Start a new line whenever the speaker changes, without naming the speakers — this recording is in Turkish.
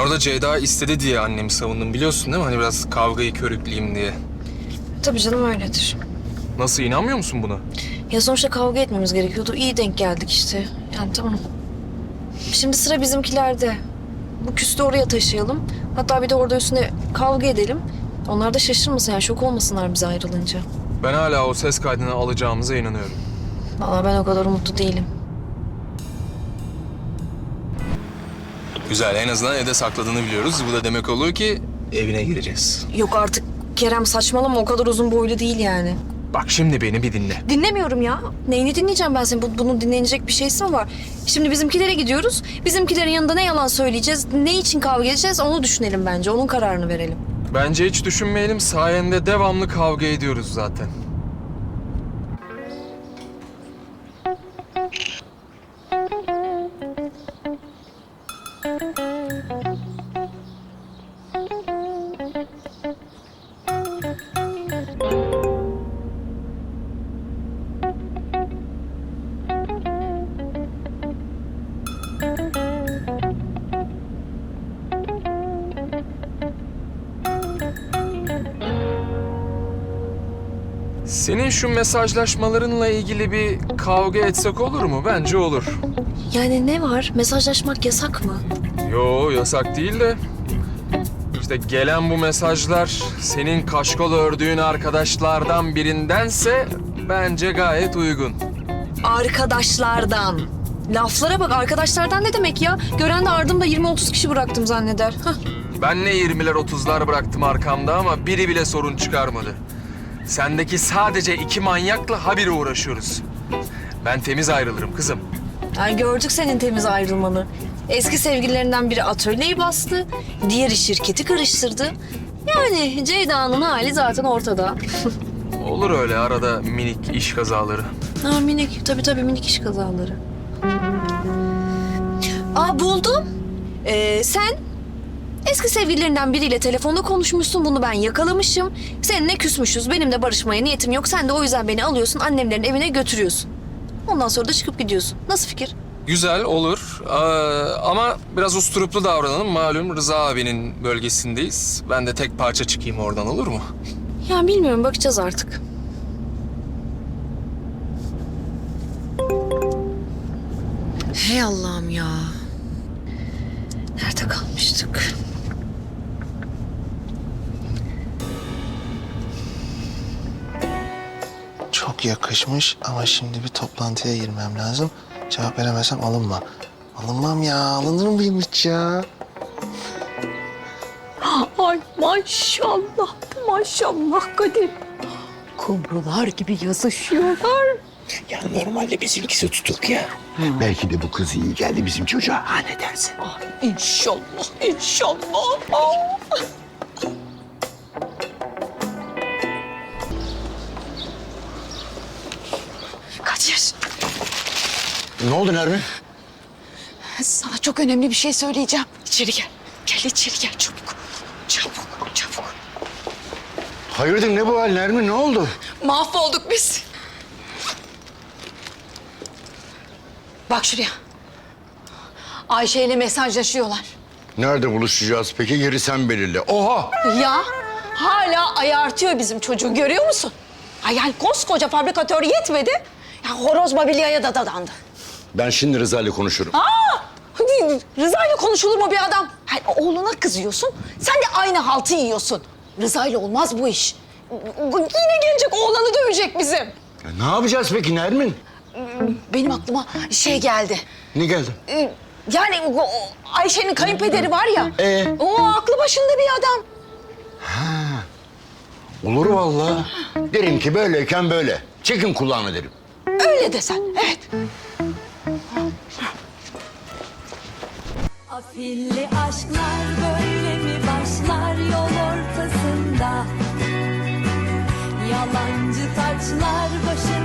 orada Ceyda istedi diye annemi savundum, biliyorsun değil mi? Hani biraz kavgayı körükleyeyim diye.
Tabii canım öyledir.
Nasıl, inanmıyor musun buna?
Ya sonuçta kavga etmemiz gerekiyordu. İyi denk geldik işte. Yani tamam. Şimdi sıra bizimkilerde. Bu küstü oraya taşıyalım. Hatta bir de orada üstüne kavga edelim. Onlar da şaşırmasın yani, şok olmasınlar bize ayrılınca.
Ben hala o ses kaydını alacağımıza inanıyorum.
Vallahi ben o kadar umutlu değilim.
Güzel, en azından evde sakladığını biliyoruz. Bu da demek oluyor ki evine gireceğiz.
Yok artık Kerem, saçmalama, o kadar uzun boylu değil yani.
Bak şimdi beni bir dinle.
Dinlemiyorum ya. Neyini dinleyeceğim ben senin? Bunun dinlenecek bir şeysi mi var? Şimdi bizimkilere gidiyoruz. Bizimkilerin yanında ne yalan söyleyeceğiz, ne için kavga edeceğiz onu düşünelim bence. Onun kararını verelim.
Bence hiç düşünmeyelim, sayende devamlı kavga ediyoruz zaten. Senin şu mesajlaşmalarınla ilgili bir kavga etsek olur mu? Bence olur.
Yani ne var? Mesajlaşmak yasak mı?
Yo, yasak değil de... İşte gelen bu mesajlar senin kaşkol ördüğün arkadaşlardan birindense bence gayet uygun.
Arkadaşlardan. Laflara bak, arkadaşlardan ne demek ya? Gören de ardımda 20-30 kişi bıraktım zanneder. Hah.
Ben ne 20'ler 30'lar bıraktım arkamda ama biri bile sorun çıkarmadı. Sendeki sadece 2 manyakla habire uğraşıyoruz. Ben temiz ayrılırım kızım.
Ay gördük senin temiz ayrılmanı. Eski sevgililerinden biri atölyeyi bastı, diğeri şirketi karıştırdı. Yani Ceyda'nın hali zaten ortada.
Olur öyle arada minik iş kazaları.
Ha, minik, tabii minik iş kazaları. Aa, buldum. Sen eski sevgililerinden biriyle telefonda konuşmuşsun. Bunu ben yakalamışım. Seninle küsmüşüz. Benim de barışmaya niyetim yok. Sen de o yüzden beni alıyorsun, annemlerin evine götürüyorsun. Ondan sonra da çıkıp gidiyorsun. Nasıl fikir?
Güzel olur ama biraz usturuplu davranalım. Malum Rıza abinin bölgesindeyiz. Ben de tek parça çıkayım oradan, olur mu?
Ya bilmiyorum, bakacağız artık. Hey Allah'ım ya. Nerede kalmıştık?
Çok yakışmış ama şimdi bir toplantıya girmem lazım. Cevap veremezsem alınma. Alınmam ya. Alınır mıyım hiç ya?
Ay maşallah, maşallah Kadir. Kumrular gibi yazışıyorlar.
Ya normalde bizimkisi tutuk ya. Belki de bu kız iyi geldi bizim çocuğa. Ha, ne dersin?
İnşallah, inşallah. Aa.
Kadir,
Ne oldu Nermin?
sana çok önemli bir şey söyleyeceğim. İçeri gel. Gel içeri gel çabuk. Çabuk, çabuk.
Hayırdır ne bu hal Nermin, ne oldu?
Mahvolduk biz. Bak şuraya. Ayşe ile mesajlaşıyorlar.
Nerede buluşacağız peki? Yeri sen belirle. Oha!
Ya hala ayartıyor bizim çocuğu, görüyor musun? Ay yani koskoca fabrikatör yetmedi. Ya horoz mobilyaya da dadandı.
Ben şimdi Rıza ile konuşurum.
Rıza ile konuşulur mu bir adam? Hayır, oğluna kızıyorsun, sen de aynı haltı yiyorsun. Rıza ile olmaz bu iş. Yine gelecek, oğlanı dövecek bizim.
Ya ne yapacağız peki Nermin?
Benim aklıma şey geldi.
Ne geldi?
Yani o Ayşe'nin kayınpederi var ya. O aklı başında bir adam.
Olur vallahi. Derim ki böyleyken böyle. Çekin kulağını derim.
Öyle desen, evet.
Afilli aşklar böyle mi başlar yol ortasında? Yalancı taçlar başına